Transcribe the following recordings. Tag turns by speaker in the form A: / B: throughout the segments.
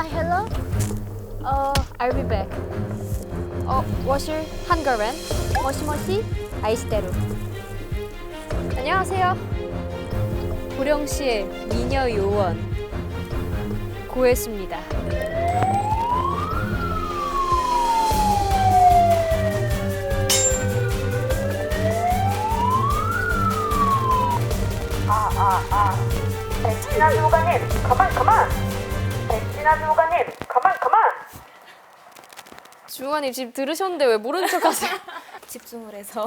A: hello. I'll be back. 워실 한가렌. 모시모시 아이스테루. 안녕하세요. 고령시의 미녀 요원 고혜수입니다.
B: 백진아 주무관님, 가만! 백진아 주무관님, 가만!
A: 주무관님 지금 들으셨는데 왜 모르는 척 하세요?
C: 집중을 해서.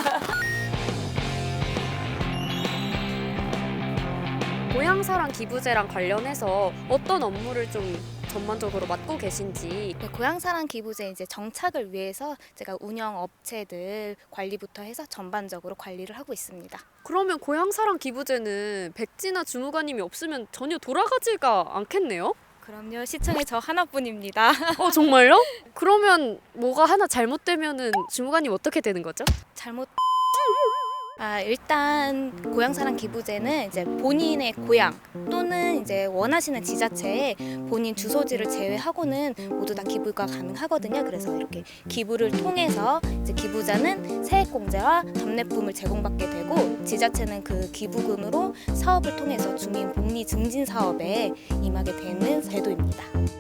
A: 고향사랑 기부제랑 관련해서 어떤 업무를 좀 전반적으로 맡고 계신지.
C: 네, 고향사랑 기부제 이제 정착을 위해서 제가 운영 업체들 관리부터 해서 전반적으로 관리를 하고 있습니다.
A: 그러면 고향사랑 기부제는 백진아 주무관님이 없으면 전혀 돌아가지가 않겠네요?
C: 그럼요, 시청에 저 하나뿐입니다.
A: 정말요? 그러면 뭐가 하나 잘못되면은 주무관님 어떻게 되는 거죠?
C: 잘못. 일단 고향사랑 기부제는 이제 본인의 고향 또는 이제 원하시는 지자체에 본인 주소지를 제외하고는 모두 다 기부가 가능하거든요. 그래서 이렇게 기부를 통해서 이제 기부자는 세액공제와 답례품을 제공받게 되고 지자체는 그 기부금으로 사업을 통해서 주민 복리 증진 사업에 임하게 되는 제도입니다.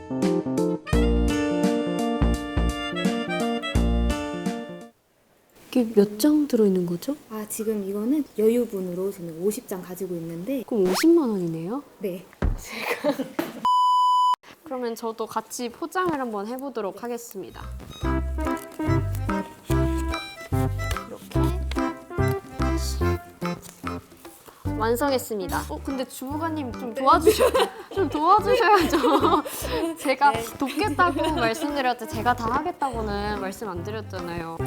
A: 이게 몇 장 들어있는 거죠?
C: 지금 이거는 여유분으로 저는 50장 가지고 있는데.
A: 그럼 50만 원이네요?
C: 네.
A: 그러면 저도 같이 포장을 한번 해보도록 하겠습니다. 이렇게 완성했습니다. 근데 주무관님 좀 도와주셔야죠. 제가 돕겠다고 말씀드렸지 제가 다 하겠다고는 말씀 안 드렸잖아요.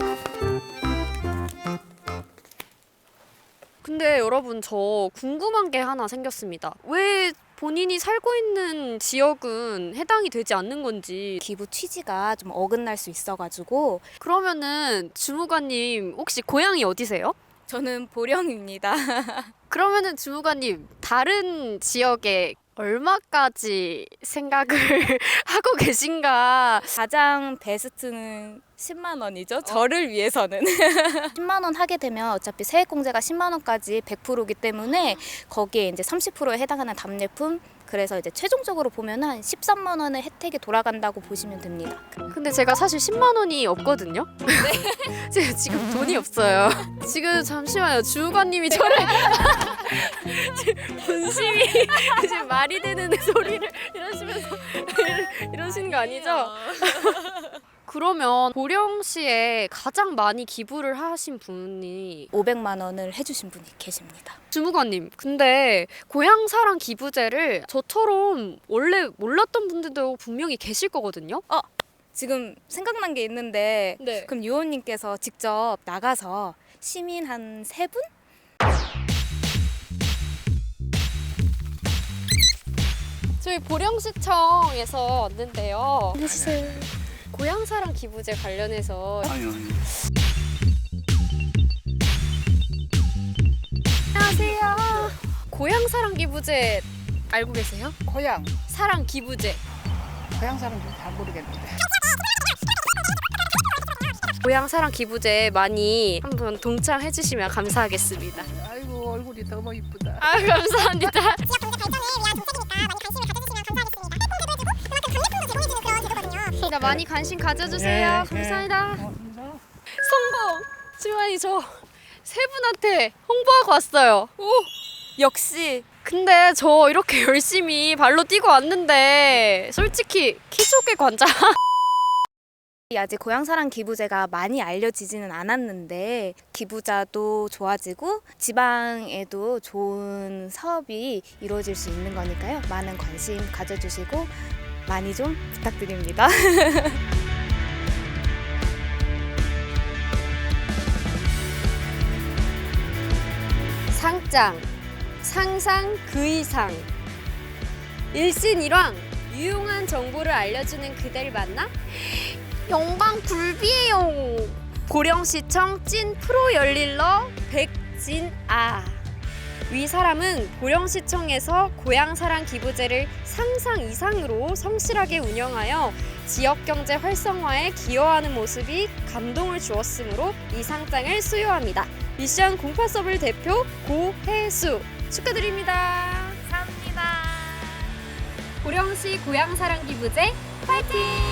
A: 근데 여러분 저 궁금한 게 하나 생겼습니다. 왜 본인이 살고 있는 지역은 해당이 되지 않는 건지.
C: 기부 취지가 좀 어긋날 수 있어가지고.
A: 그러면은 주무관님 혹시 고향이 어디세요?
C: 저는 보령입니다.
A: 그러면은 주무관님 다른 지역에 얼마까지 생각을 하고 계신가?
C: 가장 베스트는 10만 원이죠. 저를 위해서는. 10만 원 하게 되면 어차피 세액공제가 10만 원까지 100%이기 때문에 거기에 이제 30%에 해당하는 답례품, 그래서 이제 최종적으로 보면 한 13만 원의 혜택이 돌아간다고 보시면 됩니다.
A: 근데 제가 사실 10만 원이 없거든요? 네. 제가 지금 돈이 없어요. 지금 잠시만요. 주무관님이 저를 분심이 지금 말이 되는 소리를 이러시면서 이러시는 거 아니죠? 그러면 보령시에 가장 많이 기부를 하신 분이
C: 500만 원을 해주신 분이 계십니다.
A: 주무관님, 근데 고향사랑 기부제를 저처럼 원래 몰랐던 분들도 분명히 계실 거거든요?
C: 지금 생각난 게 있는데
A: 네.
C: 그럼 유원님께서 직접 나가서 시민 한 3분?
A: 저희 보령시청에서 왔는데요.
C: 해주세요.
A: 고향사랑 기부제 관련해서 안녕하세요. 고향사랑 기부제 알고 계세요?
D: 고향
A: 사랑 기부제.
D: 사람들 잘 모르겠는데.
A: 고향사랑 기부제 많이 한번 동참해 주시면 감사하겠습니다.
D: 아이고 얼굴이 너무 이쁘다.
A: 감사합니다. 그러니까 많이 관심 가져주세요. 감사합니다. 성공! 주만이 저 세 분한테 홍보하고 왔어요.
C: 역시
A: 근데 저 이렇게 열심히 발로 뛰고 왔는데 솔직히 키조개 관장
C: 아직 고향사랑 기부제가 많이 알려지지는 않았는데 기부자도 좋아지고 지방에도 좋은 사업이 이루어질 수 있는 거니까요. 많은 관심 가져주시고 많이 좀 부탁드립니다.
A: 상장, 상상 그 이상 일신일왕 유용한 정보를 알려주는 그댈 만나 영광 굴비예요. 고령시청 찐 프로 열릴러 백진아 위 사람은 보령시청에서 고향사랑 기부제를 상상 이상으로 성실하게 운영하여 지역경제 활성화에 기여하는 모습이 감동을 주었으므로 이 상장을 수여합니다. 미션 08서블 대표 고혜수 축하드립니다.
C: 감사합니다.
A: 보령시 고향사랑 기부제 파이팅!